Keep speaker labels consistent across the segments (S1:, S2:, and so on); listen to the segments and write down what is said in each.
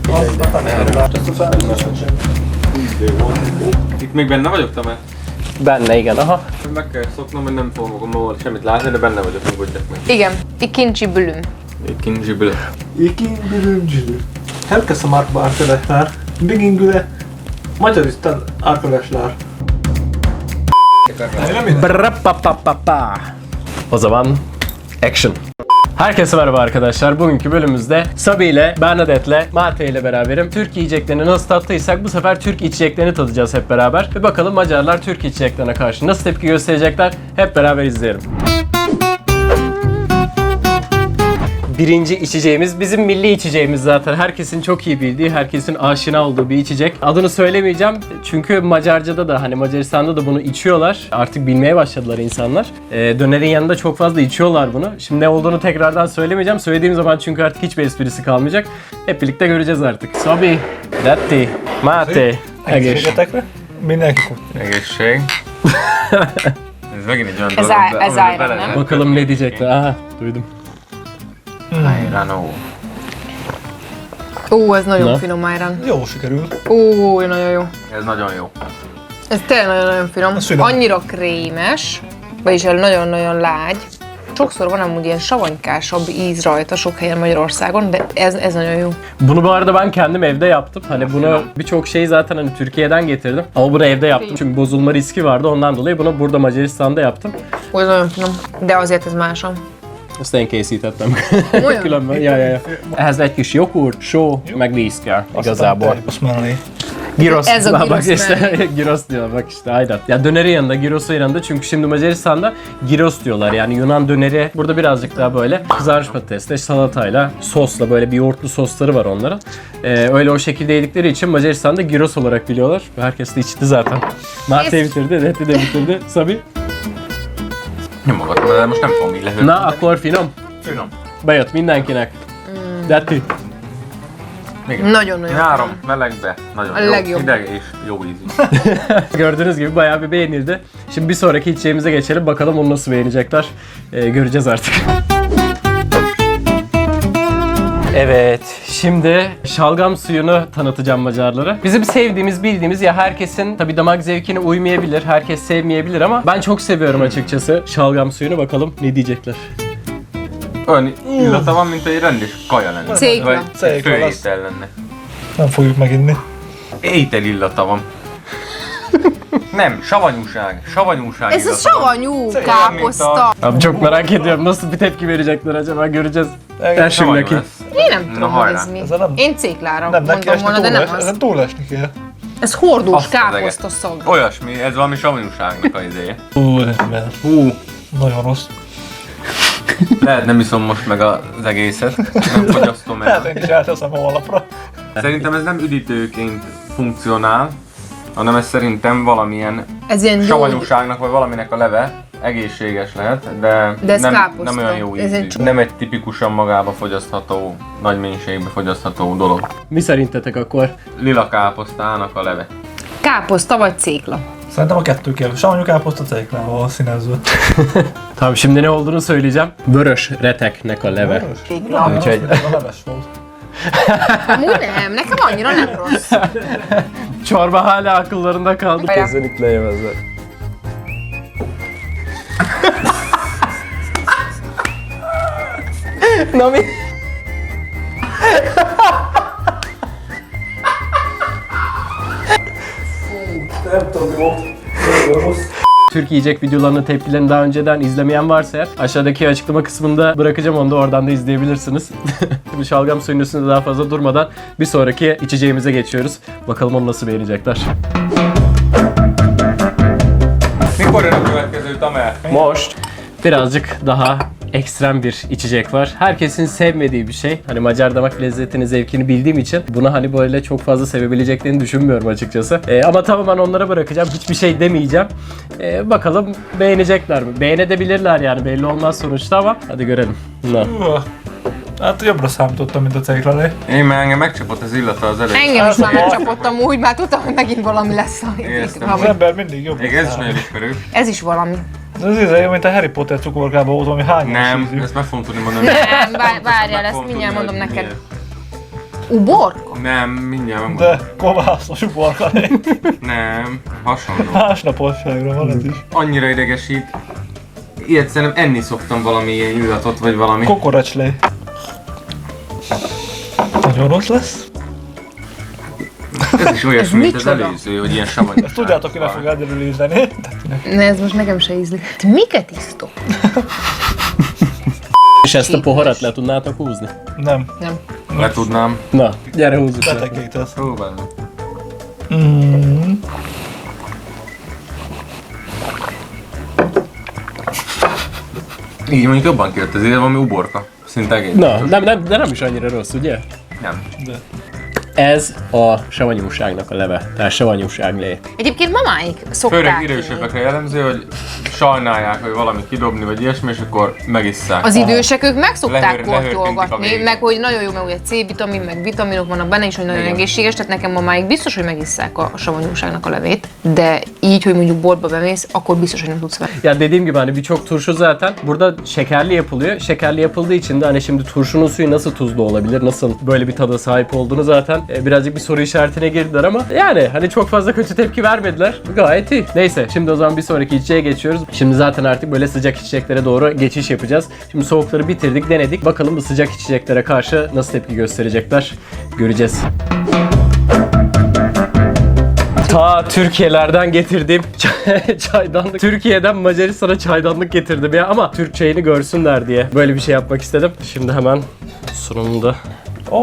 S1: Itt még benne vagyok, Tamás?
S2: Benne, igen, aha.
S1: Meg kell szoknom, hogy nem fogom magam semmit látni, de benne vagyok, nyugodjak meg.
S3: Igen, ikinci bülüm.
S1: İkinci bölüm.
S4: İkinci. Herkese merhaba arkadaşlar. Bugün güne Macaristan arkadaşlar.
S2: Brapapapapa. O zaman action. Herkese merhaba arkadaşlar. Bugünkü bölümümüzde Sabi ile, Bernadette'le, Mate ile beraberim. Türk yiyeceklerini nasıl tattıysak bu sefer Türk içeceklerini tadacağız hep beraber. Ve bakalım Macarlar Türk içeceklerine karşı nasıl tepki gösterecekler hep beraber izleyelim. Birinci içeceğimiz bizim milli içeceğimiz zaten. Herkesin çok iyi bildiği, herkesin aşina olduğu bir içecek. Adını söylemeyeceğim çünkü Macarca'da da hani Macaristan'da da bunu içiyorlar. Artık bilmeye başladılar insanlar. Dönerin yanında çok fazla içiyorlar bunu. Şimdi ne olduğunu tekrardan söylemeyeceğim. Söylediğim zaman çünkü artık hiçbir esprisi kalmayacak. Hep birlikte göreceğiz artık. Sabi, Datti, Mate, Egész.
S4: Mindenki kutya.
S1: Egészség. Ez megint egy olyan
S3: Ez
S1: dolog,
S3: á- ez
S1: amiben
S3: ájra,
S1: bele
S3: nem?
S1: lehet-
S2: Bakalım ne diyecekler. Aha, duydum.
S1: Ajránó.
S3: Ó, ez nagyon
S2: Na.
S3: finom Ayran.
S4: Jó sikerült.
S3: Ó, nagyon jó.
S1: Ez nagyon jó.
S3: Ez tényleg nagyon-nagyon finom.
S4: Ez finom.
S3: Annyira krémes, vagyis nagyon-nagyon lágy. Sokszor van amúgy ilyen savanykásabb íz rajta sok helyen Magyarországon, de ez nagyon jó.
S2: Bunu bu arada ben kendim evde yaptım. Hani bunu birçok şeyi zaten hani Türkiye'den getirdim. Ama bunu evde yaptım çünkü bozulma riski vardı. Ondan dolayı bunu burada Macaristan'da yaptım.
S3: Ó, ez nagyon finom, de azért ez másabb.
S2: Ezt én készítettem.
S3: Olyan?
S2: Különben, ja. Ehhez egy kis joghurt, só, meg víz kell igazából.
S4: Osmanli.
S2: Gyrosz.
S3: Ez a
S2: Bak
S3: gyrosz
S2: işte,
S3: mellé.
S2: gyrosz diyorlar bak işte aynen. Ya dönerin yanında, gyrosun yanında çünkü şimdi Macaristan'da gyros diyorlar. Yani Yunan döneri burada birazcık daha böyle kızarmış patatesle, salatayla, sosla böyle bir yoğurtlu sosları var onların. Öyle o şekilde yedikleri için Macaristan'da gyros olarak biliyorlar. Herkes de içti zaten. Mate bitirdi, Detti de bitirdi. Sabi?
S1: Nyomogatom, de most nem fogom így lehőni.
S2: Na, akkor finom.
S1: Finom.
S2: Bejött mindenkinek. Detti.
S1: Igen.
S3: Nagyon-nagyon
S1: Nyáron,
S3: finom.
S1: melegbe, nagyon
S3: A
S1: jó.
S3: legjobb.
S1: Hideg és jó ízű.
S2: Gördüğünüz gibi bayağı bir beğenildi. Şimdi bir sonraki içeceğimize geçelim. Bakalım onu nasıl beğenecekler. Göreceğiz artık. Evet, şimdi şalgam suyunu tanıtacağım Macarlara. Bizim sevdiğimiz, bildiğimiz ya herkesin tabii damak zevkine uymayabilir, herkes sevmeyebilir ama ben çok seviyorum açıkçası şalgam suyunu. Bakalım ne diyecekler.
S1: Olyan illata van, mint egy rendes kaja lenne.
S3: Cékla.
S1: Vagy egy
S4: Cékla lesz.
S1: főétel lenne.
S4: Nem fogjuk meginni.
S1: Étel illata van. Nem, savanyúság. Savanyúság
S3: Ez a
S1: illata van.
S3: savanyú káposzta.
S2: Abi çok merak ediyorum nasıl bir tepki verecekler acaba, göreceğiz.
S4: Igen,
S2: Ters
S1: Savanyú
S2: neki.
S1: lesz.
S3: Én nem tudom, hogy
S1: hajrá.
S3: ez mi.
S4: Ez a nem-
S3: Én céklára
S4: Nem, neki
S3: mondom
S4: esni
S3: volna, de nem
S4: túlesni,
S3: az.
S4: ezen túlesni kell.
S3: Ez hordós
S1: Azt az
S3: káposzta szag.
S1: Olyasmi, ez valami savanyúságnak az izéje.
S4: Úristen.
S1: Hú,
S4: Nagyon rossz.
S1: lehet nem iszom most meg az egészet. Nem fogyasztom
S4: Hát
S1: el.
S4: én is elteszem a holnapra.
S1: Szerintem ez nem üdítőként funkcionál, hanem ez szerintem valamilyen
S3: Ez ilyen jó.
S1: savanyúságnak vagy valaminek a leve. Egészséges lehet, de
S3: ez
S1: nem
S3: káposzta.
S1: olyan jó
S3: Ez
S1: ízű.
S3: egy
S1: Nem egy tipikusan magába fogyasztható, nagy mennyiségbe fogyasztható dolog.
S2: Mi szerintetek akkor?
S1: Lila káposztának a leve.
S3: Káposzta vagy cékla.
S4: Szerintem a kettő kell. Savanyú káposzta céklával színezve.
S2: Tamam, şimdi ne olduğunu söyleyeceğim. Vörös reteknek a leve.
S3: Cékla.
S2: Úgyhogy
S4: A leves volt.
S3: Amúgy nem, nekem annyira nem rossz.
S2: çorba hala akıllarında kaldı.
S3: Bayağı.
S2: Kesinlikle yemezler. Nami.
S4: Nem tudom, jó. Nagyon rossz.
S2: Türk yiyecek videolarının tepkilerini daha önceden izlemeyen varsa eğer aşağıdaki açıklama kısmında bırakacağım, onu da oradan da izleyebilirsiniz. Şimdi şalgam suyunun üstünde daha fazla durmadan bir sonraki içeceğimize geçiyoruz. Bakalım onu nasıl beğenecekler.
S1: Mikor jön a következő, Tamer?
S2: Most birazcık daha ekstrem bir içecek var. Herkesin sevmediği bir şey. Hani Macar damak lezzetini, zevkini bildiğim için bunu hani böyle çok fazla sevebileceklerini düşünmüyorum açıkçası. Ama tamamen onlara bırakacağım. Hiçbir şey demeyeceğim. Bakalım beğenecekler mi? Beğenebilirler yani, belli olmaz sonuçta ama hadi görelim. Na.
S4: Hát jobbra számítottam, mint a céklálé.
S1: Én már engem megcsapott az illata az előtt.
S3: Engem is már megcsapott amúgy, már tudtam, hogy megint valami lesz.
S1: Éreztem.
S4: Az ember mindig jobbra
S1: Még ez is
S4: számít.
S1: nagyon ismerős.
S3: Ez is valami.
S4: Ez izé, mint a Harry Potter cukorkában volt, valami hányos
S1: Nem,
S4: ízű.
S1: ezt meg fogom tudni mondani.
S3: Nem, várjál, ezt mindjárt mondom neked. Uborka?
S1: Nem, mindjárt megmondom.
S4: De kovászos uborka.
S1: Nem, hasonló.
S4: Másnaposságra van ez is.
S1: Annyira idegesít. Ilyet szerintem enni szoktam valami ilyen illatot, vagy valami.
S4: Kokoracslé. Nagyon rossz lesz.
S1: Ez is olyasmi, mint az
S3: micsoda?
S1: előző, hogy ilyen savanyú.
S4: Ezt tudjátok, hogy ne fog elderülni.
S3: Ne, ez most nekem se ízlik. Te miket isztok?
S2: És ezt a poharat le tudnátok húzni?
S4: Nem.
S3: Nem.
S1: Le tudnám.
S2: Na, gyere húzzuk le.
S4: Betegítesz.
S1: Próbálom. Így mondjuk jobban kijött az ide, valami uborka. Szinte egész.
S2: Na, de nem is annyira rossz, ugye?
S1: Nem.
S4: De.
S2: Ez a savanyúságnak a leve, tehát savanyúságlé.
S3: Egyébként mamáik
S1: Főleg
S3: szokták
S1: idősebbekre jellemző, hogy sajnálják, hogy valamit kidobni, vagy ilyesmi, és akkor megisszák.
S3: Az idősek ők meg szokták
S1: Lehőrtintik a
S3: kortyolgatni,
S1: végét.
S3: meg hogy nagyon jó, mert ugye C-vitamin, meg vitaminok vannak benne is, hogy nagyon
S1: Igen.
S3: egészséges, tehát nekem mamáig biztos, hogy megisszák a savanyúságnak a levét, de így, hogy mondjuk boltba bemész, akkor biztos, hogy nem tudsz vele.
S2: Ya dediğim gibi hani birçok turşu zaten burada şekerli yapılıyor. Şekerli yapıldığı için de hani şimdi turşunun suyu nasıl tuzlu olabilir, nasıl böyle bir tada sahip olduğunu zaten birazcık bir soru işaretine girdiler ama yani hani çok fazla kötü tepki vermediler. Gayet iyi. Neyse şimdi o zaman bir sonraki içeceğe geçiyoruz. Şimdi zaten artık böyle sıcak içeceklere doğru geçiş yapacağız. Şimdi soğukları bitirdik, denedik. Bakalım bu sıcak içeceklere karşı nasıl tepki gösterecekler. Göreceğiz. Ta Türkiye'lerden getirdiğim çaydanlık. Türkiye'den Macaristan'a çaydanlık getirdim ya ama Türk çayını görsünler diye böyle bir şey yapmak istedim. Şimdi hemen sunumda
S4: Oh.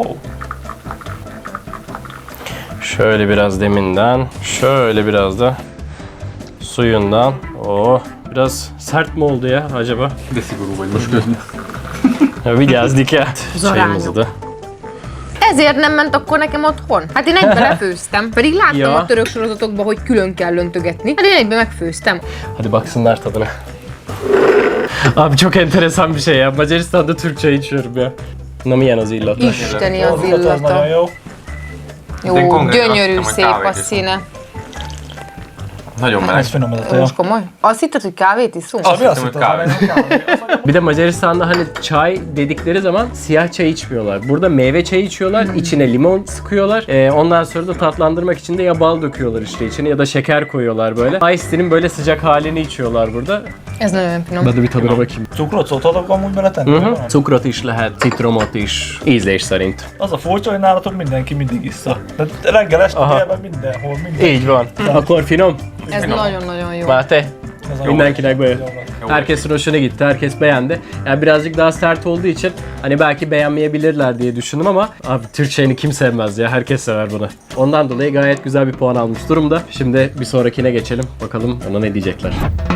S2: şöyle biraz deminden, şöyle biraz da suyundan. Oh, biraz sert mi oldu ya acaba?
S1: De szigorú vagy most közben.
S2: Vigyázdik el. Çayımızı da.
S3: Ezért nem ment akkor nekem otthon? Hát én egybe lefőztem, pedig láttam
S2: Ja.
S3: a török sorozatokban, hogy külön kell öntögetni. Hát én egybe megfőztem.
S2: Hadi baksınlar tadına. Abi çok enteresan bir şey ya. Macaristan'da Türk çayı içiyorum ya. Namilyen az illata.
S3: Isteni az
S4: Az nagyon
S3: illata.
S4: jó.
S3: Jó,
S1: De én konkrétan
S3: gyönyörű,
S1: azt hittem, hogy
S3: szép a
S1: kávét iszom.
S3: színe.
S1: Nagyon meleg.
S4: Ez finom ez a teja.
S3: Most komoly? Azt hitted, hogy kávét iszunk?
S4: Abi azt
S1: hittem,
S4: hittem,
S1: hogy
S4: hogy kávé.
S2: Bir de Macaristan'da hani çay dedikleri zaman siyah çay içmiyorlar. Burada meyve çayı içiyorlar, içine limon sıkıyorlar. Ondan sonra da tatlandırmak için de ya bal döküyorlar işte içine ya da şeker koyuyorlar böyle. Ice tea'nin böyle sıcak halini içiyorlar burada.
S3: Ez nagyon finom.
S2: Ben de bir tadına bakayım.
S4: Cukrot szoktatok amúgy beletenni?
S2: Cukrot is lehet, citromot is, ízlés szerint.
S4: Az a furcsa, hogy nálatok mindenki mindig issza. De reggel, este,
S2: Aha.
S4: délben, mindenhol, minden.
S2: Így van. Akkor finom.
S3: Ez nagyon-nagyon jó.
S2: Máté,
S4: Ez a jó.
S2: mindenkinek böyle.
S4: Jó.
S2: Herkesin hoşuna gitti, herkes beğendi. Yani birazcık daha sert olduğu için hani belki beğenmeyebilirler diye düşündüm ama abi Türk çayını kim sevmez ya, herkes sever bunu. Ondan dolayı gayet güzel bir puan almış durumda. Şimdi bir sonrakine geçelim, bakalım ona ne diyecekler.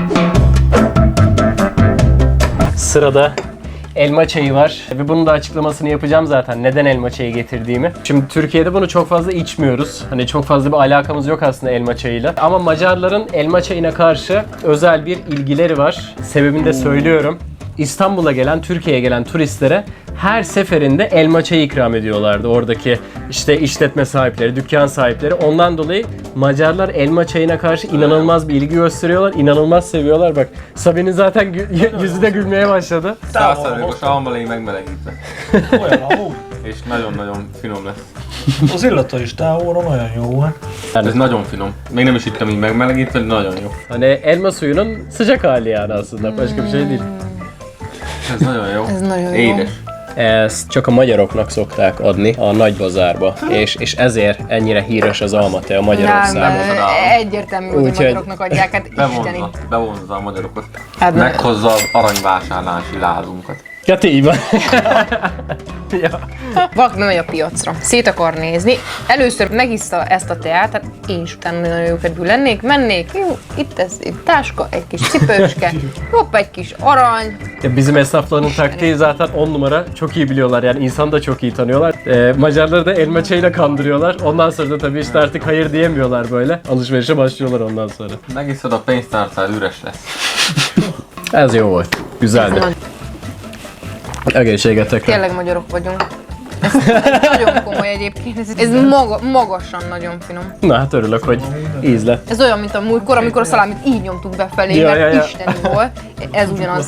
S2: Sırada elma çayı var ve bunun da açıklamasını yapacağım zaten neden elma çayı getirdiğimi. Şimdi Türkiye'de bunu çok fazla içmiyoruz. Hani çok fazla bir alakamız yok aslında elma çayıyla. Ama Macarların elma çayına karşı özel bir ilgileri var. Sebebini de söylüyorum. İstanbul'a gelen, Türkiye'ye gelen turistlere her seferinde elma çayı ikram ediyorlardı. Oradaki işte işletme sahipleri, dükkan sahipleri. Ondan dolayı Macarlar elma çayına karşı inanılmaz bir ilgi gösteriyorlar. İnanılmaz seviyorlar. Bak Sabi'nin zaten yüzü de gülmeye başladı.
S1: 100%-os almalé megmelegítve.
S4: Olyan amúgy.
S1: És nagyon-nagyon finom lesz.
S4: Az illata is távolra nagyon jó. Hát.
S1: Ez nagyon finom. Még nem is ittam így megmelegítve, de nagyon jó.
S2: Hani elma suyunun sıcak hali yani aslında. Başka bir şey değil.
S1: Ez nagyon jó.
S3: Ez nagyon jó.
S1: Édes.
S2: Ezt csak a magyaroknak szokták adni a nagybazárba, és ezért ennyire híres az almatea Magyarországon.
S3: Nem, egyértelmű, hogy a
S2: Úgyhogy-
S3: magyaroknak adják, hát isteni.
S1: Bevonza a magyarokat.
S3: Hát ne.
S1: Meghozza az aranyvásárlási lázunkat.
S2: Ja, így van. ja.
S3: Valaki bemegy a piacra, szét akar nézni, először megiszta ezt a teát, hát én is utána nagyon jó kedvű lennék, mennék, jó, itt ez egy táska, egy kis cipőske, hopp, egy kis arany.
S2: Ya bizim esnafların taktiği zaten 10 numara. Çok iyi biliyorlar yani insanı da çok iyi tanıyorlar. Macarları da elma çayıyla kandırıyorlar. Ondan sonra da tabii işte artık hayır diyemiyorlar böyle. Alışverişe başlıyorlar ondan sonra.
S1: Megiszod, a pénztárcád üres lesz.
S2: Ez jó volt. Güzeldi. Egészségetekre.
S3: Tényleg magyarok vagyunk. Ez nagyon komoly egyébként, ez magasan nagyon finom.
S2: Na hát örülök, hogy íz lett.
S3: Ez olyan, mint a múltkor, amikor a szalámit így nyomtuk befelé,
S2: Ja,
S3: mert
S2: ja, ja.
S3: isteni volt. Ez ugyanaz.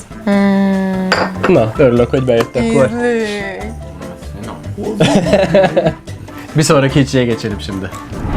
S2: Na, örülök, hogy bejött akkor.
S3: Ízlés.
S1: Finom.
S2: Bir sonraki içeceğe geçelim şimdi.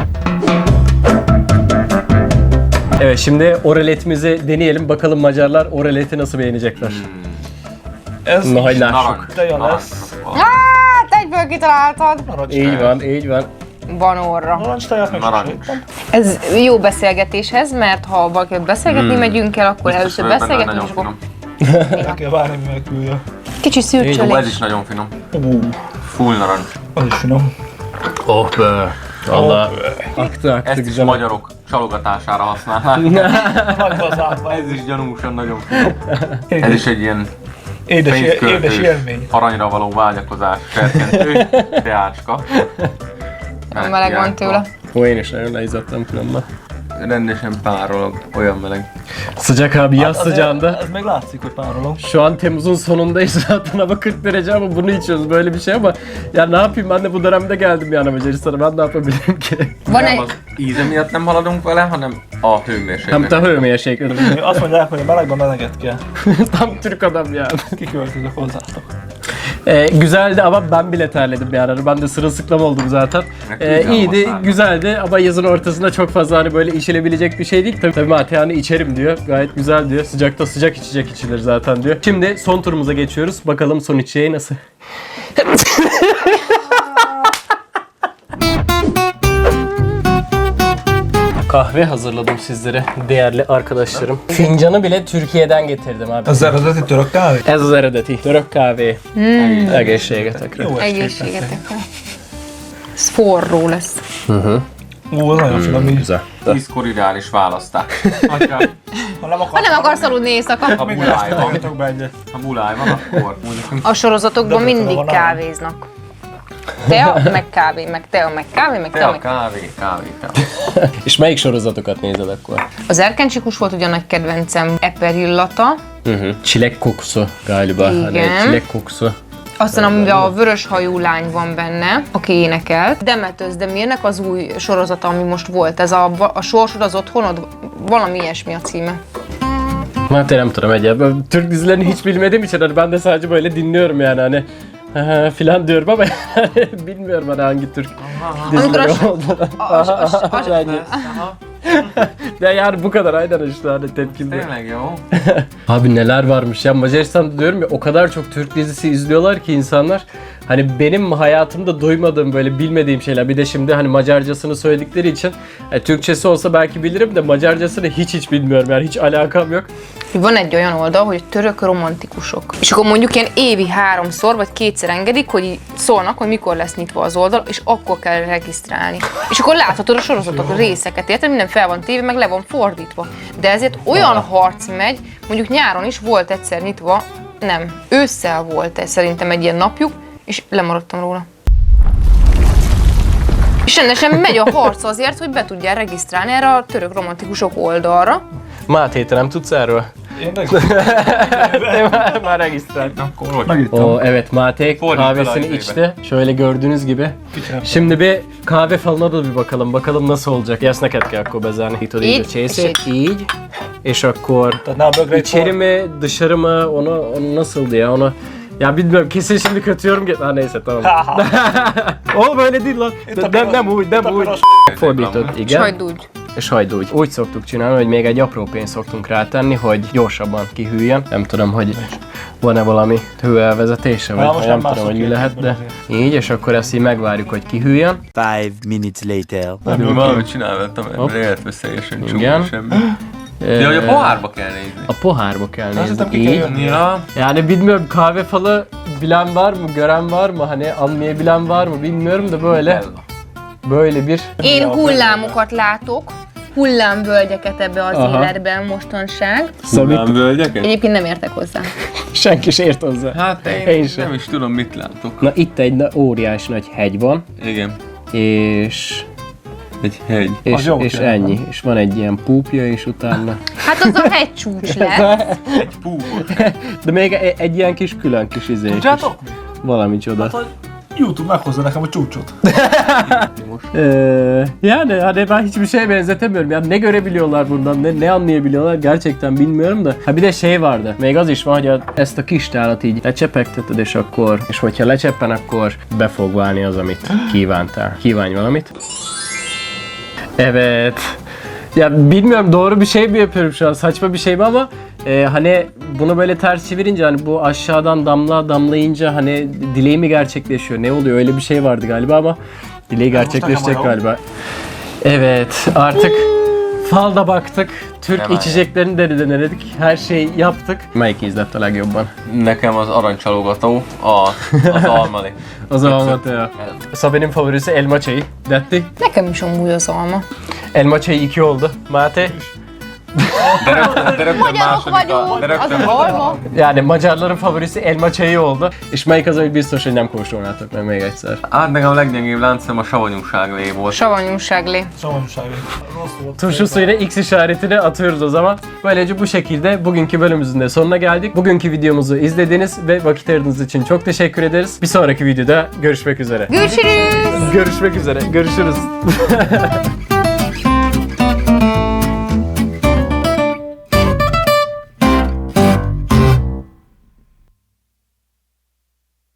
S2: Evet, şimdi oraletimizi deneyelim. Bakalım Macarlar oraleti nasıl beğenecekler.
S4: Ez
S2: Nagy lássuk.
S1: Narancs.
S4: teja lesz.
S3: Hát egyből kitaláltad.
S2: Így van, így van.
S3: Van orra.
S4: Narancsteját meg
S1: Narancs.
S4: sosem.
S3: Ez jó beszélgetéshez, mert ha valakivel beszélgetni megyünk el, akkor
S1: Biztos,
S3: először
S1: hogy benne
S3: beszélgetünk,
S1: nagyon
S3: és akkor
S1: finom.
S4: El kell várni, mivel küldje.
S3: kicsi
S1: Ó, ez
S3: szürcsölés.
S1: is nagyon finom.
S4: Full
S1: narancs.
S4: Az is finom.
S2: Oh be. Valla. Aktı aktı
S1: Ezt is
S2: güzel.
S1: magyarok csalogatására használják.
S4: Nagy bazárban.
S1: Ez is gyanúsan nagyon finom. Ez is egy ilyen
S4: Édes
S1: pénzköltős,
S4: élmény.
S1: aranyra való vágyakozás serkentő teácska.
S3: Meleg van tőle.
S2: Ó, én is nagyon leizzadtam különben.
S1: Rendesen párolog, olyan meleg.
S2: Sıcak abi, yaz
S4: azért
S2: sıcağında.
S4: Ez még látszik, hogy párolom.
S2: Şu an Temmuz'un sonundayız zaten, hava 40 derece ama bunu içiyoruz, böyle bir şey ama ya ne yapayım, ben de bu dönemde geldim yani Macaristan'a, ben ne yapabilirim ki?
S3: Van
S1: Nem
S3: egy...
S1: az íze miatt nem haladunk vele, hanem a
S2: Hem
S1: hőmérséklet.
S2: te hőmérséklet.
S4: Azt mondják, hogy a melegben meleget kell.
S2: Tam Türk adam yani.
S4: Kiköltözök hozzátok.
S2: Güzeldi ama ben bile terledim yani. Ben de sırılsıklam oldum zaten.
S1: Güzel
S2: İyiydi,
S1: masal.
S2: güzeldi ama yazın ortasında çok fazla hani böyle içilebilecek bir şey değil. Tabii Mate hani içerim diyor. Gayet güzel diyor. Sıcakta sıcak içecek içilir zaten diyor. Şimdi son turumuza geçiyoruz. Bakalım son içeceği nasıl? Kahve hazırladım sizlere değerli arkadaşlarım. Fincanı bile Türkiye'den getirdim abi.
S4: Az eredeti török kávé?
S2: Ez az eredeti török kávé. Egészségetekre.
S4: Jó
S3: Egészségetekre. Ez forró lesz.
S4: Ú, az nagyon finom így.
S2: Güzel.
S1: 10-kor ideális választás. Hogyha
S4: Ha nem
S3: Ha nem akarsz aludni éjszaka,
S1: a buláj van,
S4: Tegyetek be egyet.
S1: ha buláj van, akkor mondjuk
S3: a sorozatokban
S4: De
S3: mindig
S4: van
S3: kávéznak. Tea, meg kávé, meg tea, meg kávé, meg tea,
S1: tea,
S3: meg...
S1: kávé, tea.
S2: És melyik sorozatokat nézed akkor?
S3: Az erkencsikus volt ugye a nagy kedvencem, Eperillata,
S2: Çilek kokusu galiba.
S3: Igen.
S2: Hani çilek kokusu.
S3: aztán amiben a vörös hajú lány van benne, aki énekelt. Demetőz Demirnek az új sorozata, ami most volt, ez a Sorsod az otthonod, valami ilyesmi a címe.
S2: Mate nem tudom egyáltalán. Türk dizilerini hiç bilmediğim için hani ben de sadece böyle dinliyorum yani hani filan diyorum ama yani bilmiyorum hani hangi Türk dizileri
S3: Amikor
S2: olduğunu.
S3: a-
S2: Yani, ya yani bu kadar aynen işte hani tepkimde.
S1: Tényleg jó.
S2: Abi neler varmış ya, Macaristan'da diyorum ya, o kadar çok Türk dizisi izliyorlar ki insanlar. Hani benim hayatımda duymadığım, böyle bilmediğim şeyler. Bir de şimdi hani Macarcasını söyledikleri için Türkçesi olsa belki bilirim de Macarcasını hiç bilmiyorum yani, hiç alakam yok.
S3: Van egy olyan oldal, hogy török romantikusok. És akkor mondjuk ilyen évi 3-szor vagy 2-szer engedik, hogy így szólnak, hogy mikor lesz nyitva az oldal, és akkor kell regisztrálni. És akkor láthatod a sorozatok részeket, érted? Minden fel van téve, meg le van fordítva. De ezért olyan harc megy, mondjuk nyáron is volt egyszer nyitva, nem, ősszel volt szerintem egy ilyen napjuk, és lemaradtam róla. És rendesen megy a harc azért, hogy be tudjál regisztrálni erre a török romantikusok oldalra.
S2: Máté, te nem tudsz erről?
S4: Én meg...
S2: Már regisztrált.
S1: Akkor hogy?
S4: Megittem.
S2: O evet, Mate
S1: Fordít
S2: kahvesini
S1: fel a
S2: içti. Şöyle gördüğünüz gibi.
S4: Kicsit.
S2: Şimdi bir kahve falına da bir bakalım. Bakalım nasıl olacak. Ezt neked kell akkor bezárni. Itt
S3: Így,
S2: oda csészét.
S3: és
S2: Így. És akkor
S4: Tehát ne a bögrét
S2: içeri mi dışarı mı, onu nasıldı ya, onu ya bilmiyorum, kesin şimdi kötü yorum ha neyse tamam. Oğlum öyle değil lan. Nem úgy, nem úgy. Fordított, igen.
S3: Sajdúgy.
S2: Sajdúgy. Úgy szoktuk csinálni, hogy még egy apró pénzt szoktunk rátenni, hogy gyorsabban kihűljön. Nem tudom, hogy van-e valami hőelvezetése,
S4: Na,
S2: vagy
S4: most
S2: nem
S4: nem
S2: tudom, hogy mi
S4: mászok
S2: lehet,
S4: ki,
S2: de így, és akkor ezt így megvárjuk, hogy kihűljön.
S5: 5 minutes later.
S1: Valamit csináltam,
S2: Hopp.
S1: mert életveszélyesen
S2: Igen.
S1: csúnya semmi. De hogy a pohárba kell nézni.
S2: A pohárba kell nézni.
S4: hiszem, ki
S2: Így.
S4: kell jönni.
S1: Ja,
S2: Yani bilmiyorum, kahve falı bilen var mı, gören var mı, hani anlayabilen var mı bilmiyorum da böyle bir
S3: Én hullámokat látok, hullámvölgyeket ebbe az
S2: Aha.
S3: életben mostanság.
S1: Szamit völgyeket?
S3: Egyébként nem értek hozzá.
S2: senki se ért hozzá.
S1: Hát
S2: Én
S1: én
S2: sem.
S1: nem is tudom, mit látok.
S2: Na itt egy óriás nagy hegy van,
S1: Igen,
S2: és
S1: egy hegy.
S2: és,
S4: jó
S2: és
S4: kell.
S2: ennyi. És van egy ilyen púpja, és utána...
S3: Hát az a hegycsúcs lesz.
S1: Egy púpot.
S2: De még egy ilyen kis külön kis izé. Kis,
S4: Tudjátok mi?
S2: valami csoda.
S4: Hát, hogy YouTube meghozza nekem a csúcsot.
S2: Yani hani ben hiçbir şeye benzetemiyorum. Yani ne görebiliyorlar bundan, ne anlayabiliyorlar gerçekten bilmiyorum da. Ha bir de şey vardı. Még az is van, hogy ezt a kis tálat így lecsepegteted, és hogyha lecseppen, akkor be fog válni az, amit kívántál. Kívánj valamit. Evet. Ya bilmiyorum doğru bir şey mi yapıyorum şu an, saçma bir şey mi ama hani bunu böyle ters çevirince hani bu aşağıdan damla damlayınca hani dileği mi gerçekleşiyor, ne oluyor, öyle bir şey vardı galiba ama dileği gerçekleşecek galiba. Evet artık falda baktık, Türk
S1: Hemen.
S2: içeceklerini de denedik, her şeyi yaptık. Melyik ízlett a legjobban?
S1: Nekem az aranycsalogató, az almali.
S2: O zaman Mateo. Sabi'nin favorisi elma çayı. Detti.
S3: Nekem is amúgy az alma.
S2: Elma çayı 2 oldu. Mate?
S1: De rögtön második a... De
S3: Az
S1: rögtön
S3: az alma.
S2: Yani Macarların favorisi elma çayı oldu. És melyik az, amit biztos, hogy nem kóstolnátok meg még egyszer?
S1: Hát nekem a leggyengébb láncszem a savanyúságlé volt.
S3: Savanyúságlé.
S4: Savanyúsági. Rossz volt.
S2: Turşu suyuna X işaretini atıyoruz o zaman. Böylece bu şekilde bugünkü bölümümüzün de sonuna geldik. Bugünkü videomuzu izlediğiniz ve vakit ayırdığınız için çok teşekkür ederiz. Bir sonraki videoda görüşmek üzere.
S3: Görüşürüz.
S2: Görüşmek üzere. Görüşürüz.